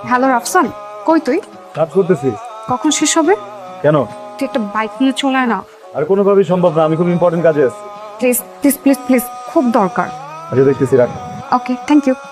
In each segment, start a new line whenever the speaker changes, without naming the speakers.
Hello Rafsan, কই তুই?
কাজ করতেছি।
কখন শেষ হবে?
কেন?
তুই একটা বাইক নিয়ে চলে আয় না।
আর কোনোভাবেই সম্ভব না, আমি খুব ইম্পর্টেন্ট কাজে আছি।
প্লিজ প্লিজ প্লিজ প্লিজ, খুব দরকার।
আচ্ছা দেখতেছি, রাখ।
Okay, thank you.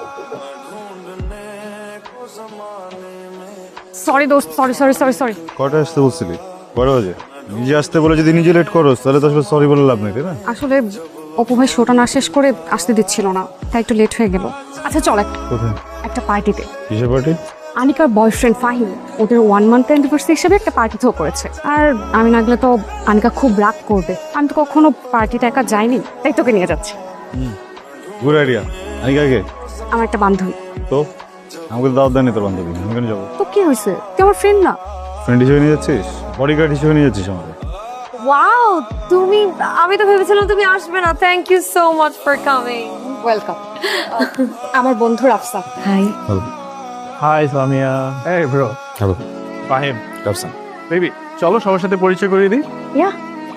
সরি দোস্ত, সরি সরি সরি সরি।
কটা আসতে বলছিলি? কটা বাজে? নিজে আসতে বলে যদি নিজে লেট করো তাহলে তো আসলে সরি বলে লাভ নেই, তাই না?
আসলে অপু ভাই শোটা না শেষ করে আসতে দিচ্ছিল না, তাই একটু লেট হয়ে গেল। আচ্ছা চল
কোথায়?
একটা পার্টিতে।
কিসের পার্টি?
আনিকার বয়ফ্রেন্ড ফাহিম ওদের 1 মান্থ অ্যানিভার্সারি হিসেবে একটা পার্টি থ্রো করেছে। আর আমি না গেলে তো আনিকা খুব রাগ করবে। আমি তো কখনো পার্টিতে একা যাইনি, তাই তোকে নিয়ে যাচ্ছি।
Good idea. আমি কাকে?
আমার একটা বান্ধবী।
তো আমাকে তো দাওয়াত দেয়নি তোর বান্ধবী, আমি কেন যাবো?
তো কি হয়েছে, তুই আমার ফ্রেন্ড না?
ফ্রেন্ড হিসেবে নিয়ে যাচ্ছিস? বডিগার্ড হিসেবে নিয়ে যাচ্ছিস আমাকে?
ওয়াও, তুমি, আমি তো ভেবেছিলাম তুমি আসবে না। Thank you so much for coming.
Welcome. আমার বন্ধু রাফসান।
হাই।
হাই সামিয়া। এই bro,
hello.
Fahim.
Rafsan.
Baby, চলো সবার সাথে পরিচয় করিয়ে দিই।
ইয়া,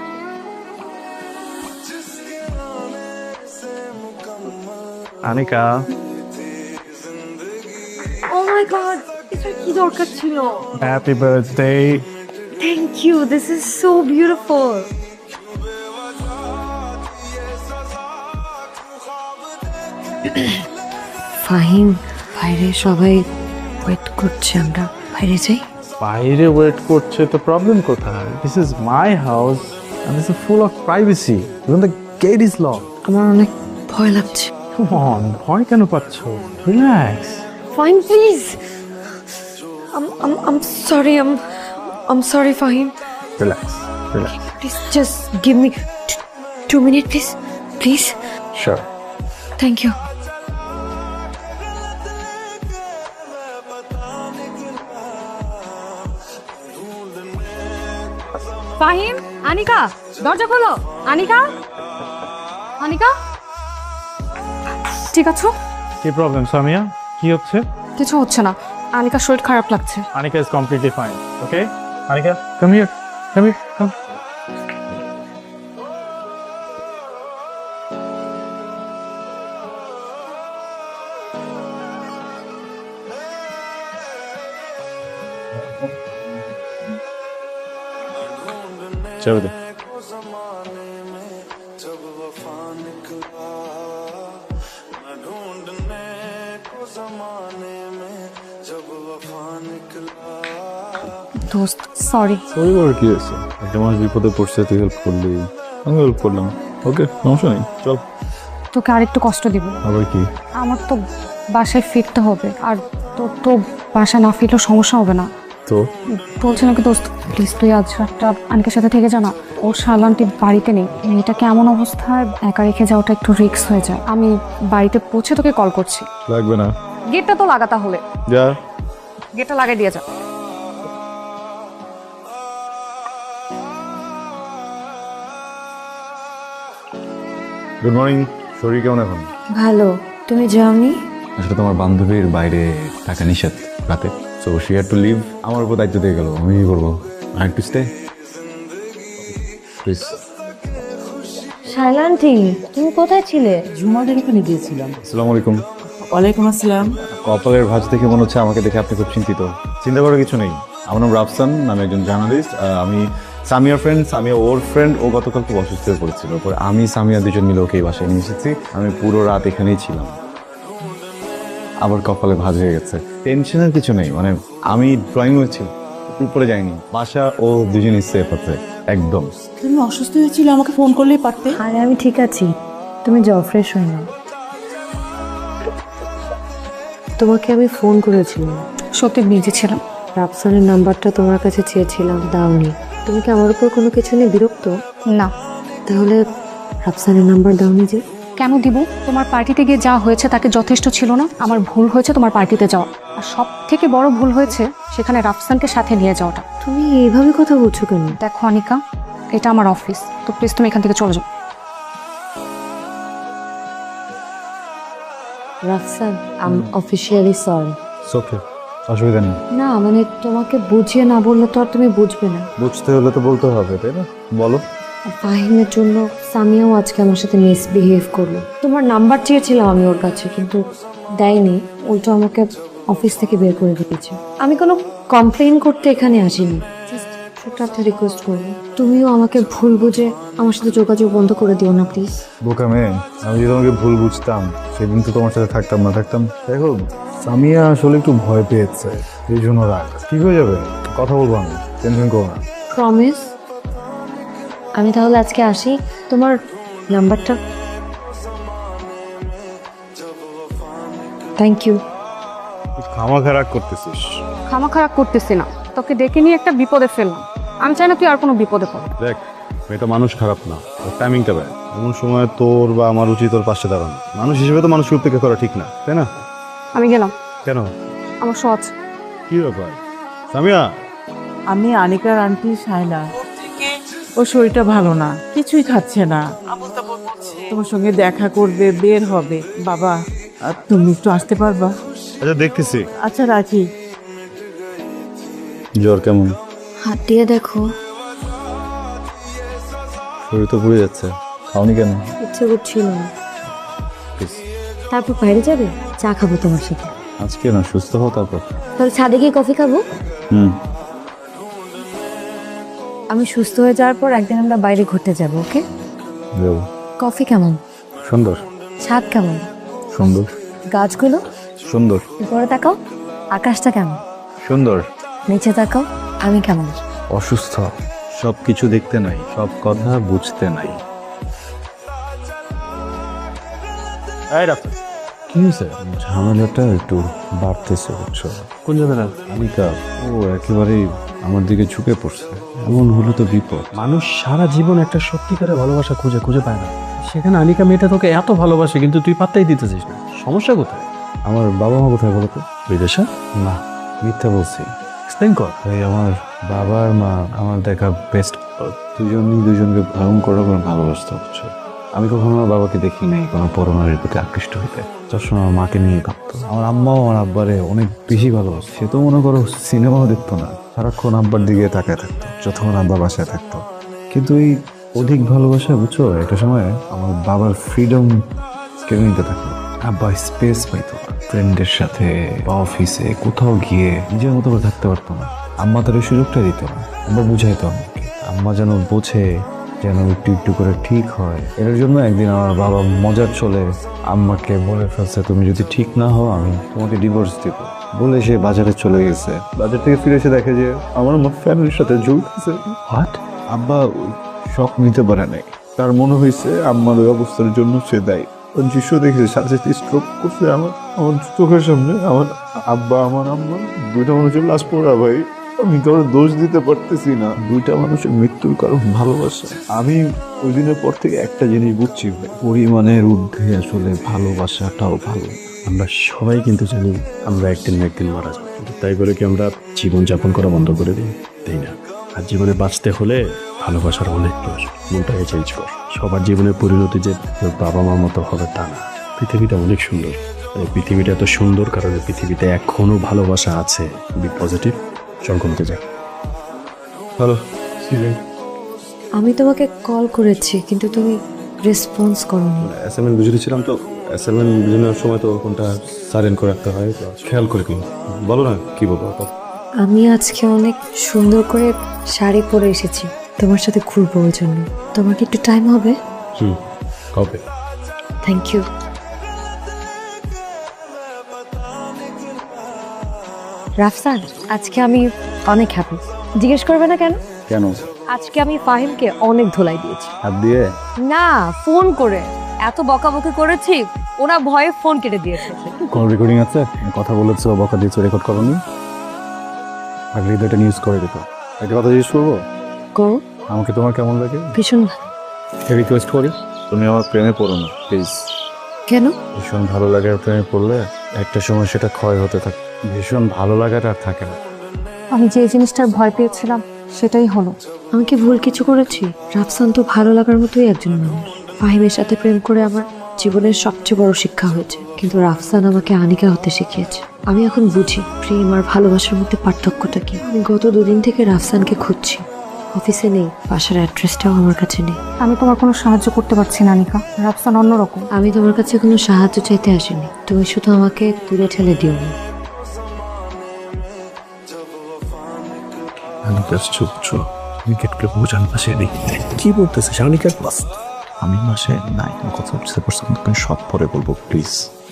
আনিকা।
ও মাই গড, এটা কি দরকার ছিল?
Happy birthday.
Thank you, this is so beautiful. Fahim, বাইরে সবাই ওয়েট করছে, আমরা বাইরে যাই।
বাইরে ওয়েট করছে তো প্রবলেম কোথায়? This is my house and this is full of privacy. Even the gate is lock.
আমার অনেক ভয় লাগছে।
কাম অন, ভয় কেন পাচ্ছ? Relax.
Fahim please, I'm sorry, I'm sorry Fahim.
Relax, relax.
Please just give me 2 minutes, please. Please.
Sure.
Thank you.
Fahim, Anika, দরজা খোলো। আনিকা, আনিকা, ঠিক আছো?
কি প্রবলেম সামিয়া? কি হচ্ছে?
কিছু হচ্ছে না, আনিকার শরীর খারাপ লাগছে।
Anika is completely fine. Okay? Anika, come here. Come here. Come.
চাবি দে।
দোস্ত সরি।
সরি বলার কি আছে? একটা মানুষ বিপদে পড়ছে, তুই হেল্প করলি, আমি হেল্প করলাম। ওকে, সমস্যা নেই, চল।
তোকে আরেকটু কষ্ট দিব।
আবার কি?
আমার তো বাসায় ফিরতে হবে, আর তোর তো বাসায় না ফিরলেও সমস্যা হবে না।
তো
বলছি নাকি দোস্ত, প্লিজ তুই আজ রাতটা আনিকার সাথে থেকে জানা। ওর শালান্টি বাড়িতে নেই, মেয়েটাকে এমন অবস্থায় একা রেখে যাওয়াটা একটু রিস্ক হয়ে যায়। আমি বাড়িতে পৌঁছে তোকে কল করছি।
লাগবে না,
গেটটা তো লাগা, তাহলে
যা।
গেটটা লাগাই দিয়ে যা।
Good morning. শরীর কেমন এখন?
ভালো, তুমি যাওনি?
আসলে তোমার বান্ধবীর বাইরে থাকা নিষেধ রাতে, so she had to leave. আমার উপর দায়িত্ব দিয়ে গেল, আমি কি করবো? I to stay please.
Shaila aunty, তুমি কোথায় ছিলে?
ঝুমাদের এখানে গিয়েছিলাম।
আসসালামু আলাইকুম।
ওয়ালাইকুম আসসালাম।
কপালের ভাঁজ দেখে মনে হচ্ছে আমাকে দেখে আপনি খুব চিন্তিত। চিন্তা করার কিছু নেই, আমার নাম রাফসান, আমি একজন জার্নালিস্ট। আমি সামিয়ার ফ্রেন্ড, সামিয়া ওর ফ্রেন্ড। ও গতকাল খুব অসুস্থ হয়ে পড়েছিল, পরে আমি সামিয়া দুজন মিলে ওকে এই বাসায় নিয়ে এসেছি। আমি পুরো রাত এখানেই ছিলাম। আবার কপালে ভাঁজ হয়ে গেছে। টেনশনের কিছু নেই, মানে আমি ড্রয়িং রুমে ছিলাম, উপরে যাইনি। বাসা ও দুজনই সেফ আছে একদম।
তুমি অসুস্থ হয়েছিল, আমাকে ফোন করলেই পারতে।
আরে আমি ঠিক আছি, তুমি যাও, ফ্রেশ হয়ে নাও। তোমাকে আমি ফোন করেছিলাম,
সত্যি বিজি ছিলাম।
রাফসানের নাম্বারটা তোমার কাছে চেয়েছিলাম, দাওনি। তুমি কি আমার উপর কোনো কিছু নিয়ে বিরক্ত?
না।
তাহলে রাফসানের নাম্বার দাওনি যে?
কেন দিব? তোমার পার্টিতে গিয়ে যা হয়েছে তাকে যথেষ্ট ছিল না? আমার ভুল হয়েছে তোমার পার্টিতে যাওয়া, আর সব থেকে বড় ভুল হয়েছে সেখানে রাফসানকে সাথে নিয়ে যাওয়াটা।
তুমি এইভাবে কথা বলছো কেন?
দেখো আনিকা, এটা আমার অফিস, তো প্লিজ তুমি এখান থেকে চলে যাও।
Rafsan, I am officially sorry.
Okay, অসুবিধা নেই।
না মানে তোমাকে বুঝিয়ে না বললে তো আর তুমি বুঝবে না।
বুঝতে হলে তো বলতে হবে, তাই না? বলো।
ফাহিমের জন্য সামিয়াও আজকে আমার সাথে মিসবিহেভ করলো। তোমার নাম্বার চেয়েছিলাম আমি ওর কাছে, কিন্তু দেয়নি, উল্টো আমাকে অফিস থেকে বের করে দিয়েছে। আমি কোনো কমপ্লেইন করতে এখানে আসিনি, জাস্ট ছোট্ট একটা রিকোয়েস্ট করবো, তুমিও আমাকে ভুল বুঝে আমার সাথে যোগাযোগ বন্ধ করে দিও না প্লিজ।
বোকা মেয়ে, আমি যদি তোমাকে ভুল বুঝতাম সেদিন তো তোমার সাথে থাকতাম না। দেখো, সামিয়া আসলে একটু ভয় পেয়েছে, এই জন্য রাগ। ঠিক হয়ে যাবে, কথা বলবো আমি, টেনশন করো না।
প্রমিস? আমি তাহলে আজকে আসি। তোমার নাম্বারটা? Thank you.
খামাখা রাগ করতেছিস?
খামা খারাপ করতেছি না, তোকে ডেকে নিয়ে একটা বিপদে ফেললাম। আমি চাই না তুই আর কোনো বিপদে পড়।
দেখ, মেয়েটা মানুষ খারাপ না, টাইমিংটা ব্যয়। এমন সময় তোর বা আমার উচিত তোর পাশে দাঁড়ানো। মানুষ হিসেবে তো মানুষকে উপেক্ষা করা ঠিক না, তাই না?
আমি গেলাম,
কেন?
আমার সহজ।
কি ব্যাপার সামিয়া?
আমি আনিকার আন্টি শায়লা। ওর শরীরটা ভালো না, কিছুই খাচ্ছে না, তোমার সঙ্গে দেখা করবে, বের হবে। বাবা, আর তুমি একটু আসতে পারবা?
আচ্ছা, দেখতেছি।
আচ্ছা, রাখি।
জ্বর কেমন?
হাত দিয়ে দেখো।
শরীর তো পুড়ে যাচ্ছে, খাওনি কেন?
ইচ্ছে করছিল না। তারপর বাইরে যাবে, চা খাবো তোমার সাথে।
আজকে না, সুস্থ হও তারপর।
তাহলে ছাদে গিয়ে কফি খাবো। আমি সুস্থ হয়ে যাওয়ার পর একদিন আমরা বাইরে ঘুরতে যাবো, ওকে?
যাবো।
কফি কেমন?
সুন্দর।
ছাদ কেমন?
সুন্দর।
গাছগুলো?
সুন্দর।
উপরে তাকাও। আকাশটা কেমন?
সুন্দর।
নিচে তাকাও। আমি কেমন?
অসুস্থ। সব কিছু দেখতে নাই, সব কথা বুঝতে নাই। কি হয়েছে? ঝামেলাটা একটু বাড়তেছে, বুঝছো?
কোন ঝামেলা?
আনিকা, ও একেবারেই আমার দিকে ঝুঁকে পড়ছে। এমন হলে তো বিপদ।
মানুষ সারা জীবন একটা সত্যিকারের ভালোবাসা খুঁজে পায় না, সেখানে আনিকা মেয়েটা তোকে এত ভালোবাসে কিন্তু তুই পাত্তাই দিতেছিস না। সমস্যা কোথায়?
আমার বাবা মা কোথায় বলো তো?
বিদেশে?
না, মিথ্যা বলছি।
এক্সপ্লেইন কর।
এই আমার বাবা আর মা আমার দেখা বেস্ট। দুজনই দুজনকে ভয়ঙ্কর রকম ভালোবাসতে হচ্ছে। আমি কখনো আমার বাবাকে দেখি নাই কোনো পরনারীর প্রতি আকৃষ্ট হইতে। সবসময় আমার মাকে নিয়ে ভাবতো। আমার আম্মাও আমার আব্বারে অনেক বেশি ভালোবাসে। সে তো মনে করো সিনেমাও দেখতো না, সারাক্ষণ আব্বার দিকে তাকায় থাকতো যতক্ষণ আব্বা বাসায় থাকতো। কিন্তু এই অধিক ভালোবাসা, বুঝছো, একটা সময় আমার বাবার ফ্রিডম কেড়ে নিতে থাকলো। আব্বা স্পেস পাইতো না, ফ্রেন্ডের সাথে বা অফিসে কোথাও গিয়ে নিজের মতো করে থাকতে পারতো না। আম্মা তার ওই সুযোগটা দিত না। আব্বা বুঝাইতো আমাকে, আম্মা যেন বোঝে, যেন একটু একটু করে ঠিক হয়। এর জন্য একদিন আমার বাবা মজার চলে আম্মাকে বলে ফেলছে, তুমি যদি ঠিক না হও আমি তোমাকে ডিভোর্স দিব। বলে সে বাজারে চলে গেছে। বাজার থেকে ফিরে এসে দেখে যে আমার ফ্যামিলির সাথে ঝুলতেছে।
হোয়াট?
আব্বা শখ নিতে পারে নাই। তার মনে হয়েছে আম্মার ওই অবস্থার জন্য সে দায়ী। দৃশ্য দেখেছে, সাথে সাথে স্ট্রোক করছে আমার চোখের সামনে। আমার আব্বা, আমার আম্মা, দুইটা মানুষের লাশ পড়া। ভাই, আমি কারো দোষ দিতে পারতেছি না। দুইটা মানুষের মৃত্যুর কারণ ভালোবাসা। আমি ওই দিনের পর থেকে একটা জিনিস বুঝছি, ভাই, পরিমাণের ঊর্ধ্বে আসলে ভালোবাসাটাও ভালো।
আমরা সবাই কিন্তু জানি আমরা একদিন না একদিন মারা যাবো, তাই বলে কি আমরা জীবনযাপন করা বন্ধ করে দিই? তাই না? আর জীবনে বাঁচতে হলে ভালোবাসার অনেক প্রয়োজন। মনটাকে চেঞ্জ কর। সবার জীবনের পরিণতি যে তোর বাবা মার মতো হবে তা না। পৃথিবীটা অনেক সুন্দর। এই পৃথিবীটা এত সুন্দর কারণে পৃথিবীতে এখনো ভালোবাসা আছে। বি পজিটিভ, চলকমতে যা।
হ্যালো,
আমি তোমাকে কল করেছি কিন্তু তুমি রেসপন্স করোনি।
অ্যাসাইনমেন্ট বুঝে দিচ্ছিলাম তো, অ্যাসাইনমেন্ট বুঝে নেওয়ার সময় তো কোনটা সাইলেন্ট করে রাখতে হয়, খেয়াল করে কি বলো না, কি বলবো?
আমি আজকে অনেক সুন্দর করে শাড়ি পরে এসেছি তোমার সাথে ঘুরবো, ওই জন্য। তোমার কি একটু টাইম হবে?
কবে?
Thank you. রাফসান, আজকে আমি অনেক হ্যাপি। জিজ্ঞেস করবে না কেন?
কেন?
আজকে আমি ফাহিমকে অনেক ধোলাই দিয়েছি।
হাত দিয়ে?
না, ফোন করে এত বকাবকি করেছি, ওরা ভয়ে ফোন কেটে দিয়েছে।
কোন রেকর্ডিং আছে? কথা বলেছো, বকা দিয়েছো, রেকর্ড করোনি? আগে এটা নিউজ করে দিত। একটা কথা জিজ্ঞেস করবো?
করো।
আমাকে তোমার কেমন লাগে?
ভীষণ।
রিকোয়েস্ট করি, তুমি আমার প্রেমে পড়ো না প্লিজ।
কেন?
ভীষণ ভালো লাগে প্রেমে পড়লে একটা সময় সেটা ক্ষয় হতে থাকে। ভীষণ ভালো লাগাটা আর থাকে না।
আমি যে জিনিসটার ভয় পেয়েছিলাম সেটাই হলো।
আমি কি ভুল কিছু করেছি? রাফসান তো ভালো লাগার মতোই একজন মানুষ। ফাহিমের সাথে প্রেম করে আমার জীবনের সবচেয়ে বড় শিক্ষা হয়েছে, কিন্তু রাফসান আমাকে আনিকা হতে শিখিয়েছে। আমি এখন বুঝি প্রেম আর ভালোবাসার মধ্যে পার্থক্যটা কি। আমি গত 2 দিন থেকে রাফসানকে খুঁজছি। অফিসে নেই, বাসার অ্যাড্রেসটাও আমার কাছে নেই।
আমি তোমার কোনো সাহায্য করতে পারছি না আনিকা। রাফসান অন্যরকম।
আমি তোমার কাছে কোনো সাহায্য চাইতে আসিনি, তুমি শুধু আমাকে দূরে ঠেলে দিও না।
আনিকার চুপ উইকেটগুলো বোঝান পাশে নেই কি বলতেছে আনিকার ক্লাস
আমি মাসে নাই কথা বুঝতে পারছি আমি সব পরে বলবো প্লিজ।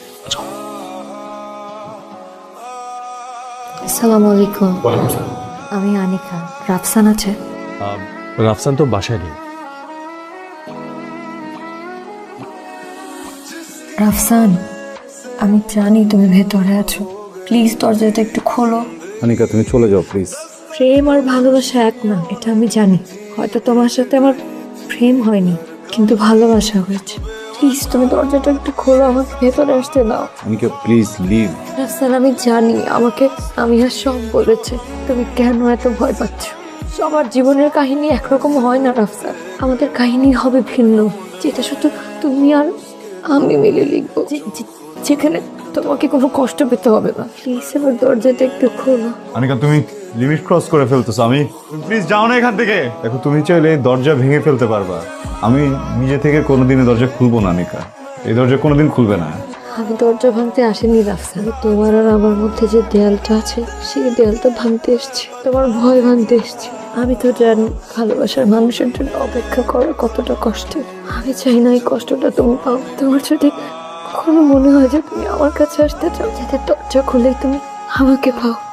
আসসালামু আলাইকুম। আমি আনিকা। রাফসান আছে?
রাফসান তো বাসায় নেই।
রাফসান, আমি জানি তুমি ভেতরে আছো, প্লিজ দরজাটা একটু খোলো।
আনিকা তুমি চলে যাও প্লিজ।
প্রেম আর ভালোবাসা এক না, এটা আমি জানি। হয়তো তোমার সাথে আমার প্রেম হয়নি, কিন্তু ভালোবাসা হয়েছে। প্লিজ তুমি দরজাটা একটু খোলো, আমাকে ভেতরে আসতে দাও।
Anika please leave.
রাফসান, আমি জানি আমাকে সামিয়া সব বলেছে। তুমি কেন এত ভয় পাচ্ছ? সবার জীবনের কাহিনী একরকম হয় না রাফসান, আমাদের কাহিনী হবে ভিন্ন, যেটা শুধু তুমি আর আমি মিলে লিখবো, যেখানে তোমাকে কোনো কষ্ট পেতে হবে না। প্লিজ আমার দরজাটা একটু খোলো।
আনিকা তুমি লিমিট ক্রস করে ফেলতেছো, আমি প্লিজ যাও না এখান থেকে। দেখো তুমি চাইলে এই দরজা ভেঙে ফেলতে পারবা, আমি নিজে থেকে কোনোদিনই দরজা খুলবো না আনিকা, এই দরজা কোনোদিন খুলবে না।
আমি দরজা ভাঙতে আসিনি রাফসান, তোমার আর আমার মধ্যে যে দেয়ালটা আছে সেই দেয়ালটা ভাঙতে এসেছি, তোমার ভয় ভাঙতে এসেছি। আমি তো জানি ভালোবাসার মানুষের জন্য অপেক্ষা করা কতটা কষ্টের। আমি চাই না এই কষ্টটা তুমি পাও। তোমার যদি কখনো মনে হয় যে তুমি আমার কাছে আসতে চাও, যাতে দরজা খুলেই তুমি আমাকে পাও,